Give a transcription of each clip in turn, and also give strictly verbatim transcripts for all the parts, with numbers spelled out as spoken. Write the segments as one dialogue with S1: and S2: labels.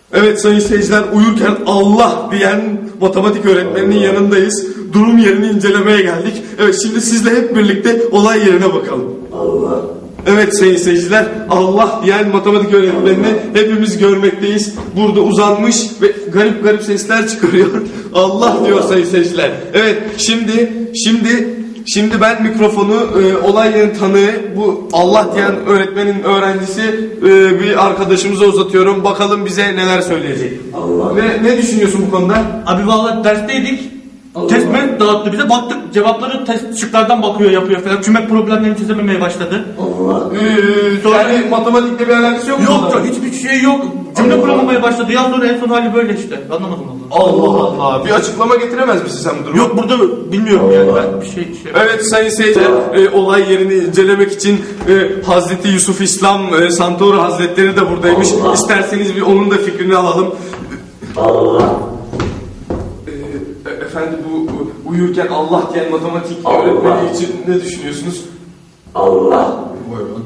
S1: Evet sayın seyirciler, uyurken Allah diyen matematik öğretmeninin yanındayız. Durum yerini incelemeye geldik. Evet, şimdi sizle hep birlikte olay yerine bakalım.
S2: Allah.
S1: Evet sayın seyirciler, Allah diyen matematik öğretmenini hepimiz görmekteyiz. Burada uzanmış ve garip garip sesler çıkarıyor. Allah diyor sayın seyirciler. Evet, şimdi şimdi Şimdi ben mikrofonu e, olay yerinin tanığı, bu Allah diyen öğretmenin öğrencisi e, bir arkadaşımıza uzatıyorum. Bakalım bize neler söyleyecek.
S2: Allah.
S1: Ne, ne düşünüyorsun bu konuda?
S3: Abi vallahi dersteydik.
S2: Allah.
S3: Test mi dağıttı bize, baktık cevapları test şıklardan bakıyor, yapıyor falan. Cümle problemlerini çözememeye başladı.
S2: Allah.
S1: Ee,
S3: Sonra-
S1: yani matematikle bir alakası yok mu?
S3: Yok yok, hiçbir şey yok. Cümle
S2: Allah.
S3: kuramamaya başladı. Ya sonra en son hali böyle işte. Anlamadım vallahi.
S1: Allah Allah. Bir açıklama getiremez misin sen bu durumu?
S3: Yok burada bilmiyorum yani, ben bir şey şey.
S1: Evet sayın seyirciler, e, olay yerini incelemek için e, Hazreti Yusuf İslam e, Santoro Hazretleri de buradaymış.
S2: Allah.
S1: İsterseniz bir onun da fikrini alalım.
S2: Allah.
S1: E, efendim bu bu uyurken Allah diyen matematik
S2: Allah.
S1: öğretmeni için ne düşünüyorsunuz?
S2: Allah.
S4: Buyurun.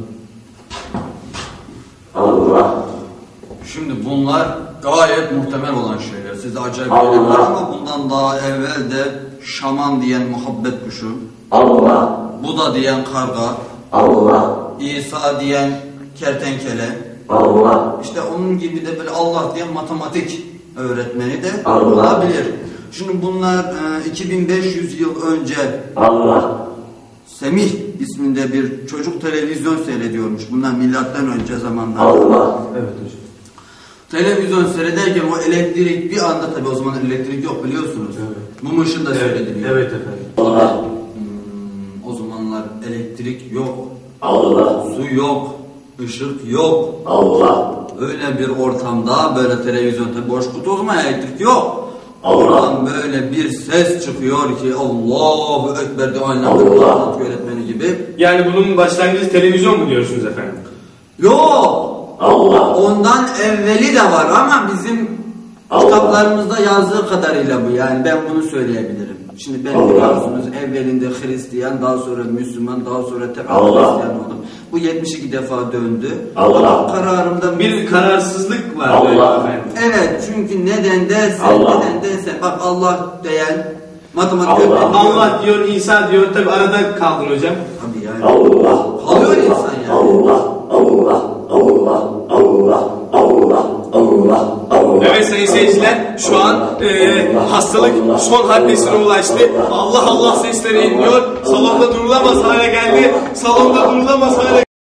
S2: Allah.
S4: Şimdi bunlar gayet muhtemel olan şeyler. Size acayip
S2: Allah.
S4: gelebilir ama bundan daha evvel de şaman diyen muhabbet kuşu,
S2: Allah.
S4: Buda diyen karga,
S2: Allah.
S4: İsa diyen kertenkele,
S2: Allah.
S4: işte onun gibi de böyle Allah diyen matematik öğretmeni de
S2: Allah.
S4: olabilir. Şimdi bunlar e, iki bin beş yüz yıl önce
S2: Allah.
S4: Semih isminde bir çocuk televizyon seyrediyormuş. Bunlar milattan önce zamanlar.
S2: Allah.
S1: Evet hocam.
S4: Televizyon seyrederken o elektrik bir anda, tabi o zaman elektrik yok biliyorsunuz.
S1: Evet.
S4: Mum ışığında seyrediliyor.
S1: Evet efendim.
S2: Allah.
S4: Hmm, o zamanlar elektrik yok,
S2: Allah.
S4: su yok, ışık yok.
S2: Allah.
S4: Öyle bir ortamda böyle televizyon, tabi boş kutu, o zaman elektrik yok.
S2: Allah.
S4: Oradan böyle bir ses çıkıyor ki Allahu Ekber diye, aynen
S2: Allah.
S4: matematik öğretmeni gibi.
S1: Yani bunun başlangıcı televizyon mu diyorsunuz efendim?
S4: Yok.
S2: Allah.
S4: Ondan evveli de var ama bizim
S2: Allah.
S4: kitaplarımızda yazdığı kadarıyla bu, yani ben bunu söyleyebilirim. Şimdi ben
S2: Allah.
S4: biliyorsunuz evvelinde Hristiyan, daha sonra Müslüman, daha sonra tekrar
S2: Allah.
S4: Hristiyan oldum. Bu yetmiş iki defa döndü.
S2: Allah.
S4: Ama kararımda
S1: Bir kararsızlık var.
S2: Allah.
S1: böyle efendim.
S4: evet, çünkü neden dersen,
S2: Allah.
S4: neden dersen bak Allah diyen matematik
S2: Allah.
S4: öğretmeni.
S1: Allah diyor, İsa diyor, tabi arada kaldın hocam.
S4: Tabii yani.
S2: Allah.
S4: Kalıyor insan yani.
S2: Allah. Allah. Allah. Allah. Allah. Allah. Allah.
S1: Evet sayın seyirciler, şu an e, hastalık son haddesine ulaştı. Allah Allah sesleri inliyor. Salonda durulamaz hale geldi. Salonda durulamaz hale